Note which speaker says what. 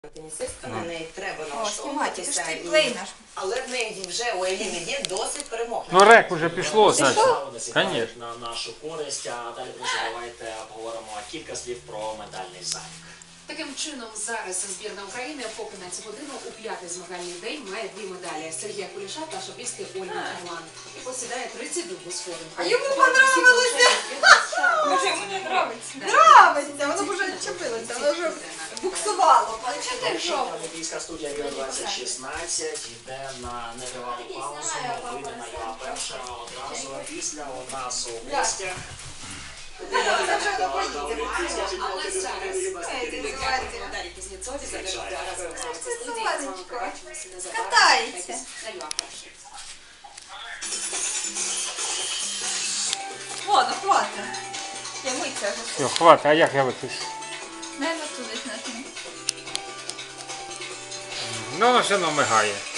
Speaker 1: Тенісистка, на неї треба
Speaker 2: О,
Speaker 1: налаштовуватися,
Speaker 2: знімайте, плей наш.
Speaker 1: але в неї вже у Еліни є досить перемог.
Speaker 3: Ну рек уже пішло, значить.
Speaker 4: Конечно. На нашу користь, а далі друзі, давайте обговоримо кілька слів про медальний залік.
Speaker 5: Таким чином, зараз збірна України по 15 годину у п'ятий змагальний день має 2 медалі. Сергія Куліша та шопістки Ольги Чарлан. І посідає 32-гу сходинку.
Speaker 2: А йому понравилося! Може, йому не нравиться. Нравиться, воно вже відчепилося, воно вже буксувало.
Speaker 4: Олімпійська студія Віо 2016 йде на нетривалу паузу, вийде на його перша одразу після у нас у гостях.
Speaker 5: Але зараз Дар'ї Кузнєцові задають студії. З вами побачимося незабаром.
Speaker 2: Катається.
Speaker 5: На ЮА перший.
Speaker 2: Ладно, хватить. Я миться вже.
Speaker 3: Все, хватить, а як я виключу?
Speaker 2: Наверно, туди нажму.
Speaker 3: Ну, воно все одно мигає.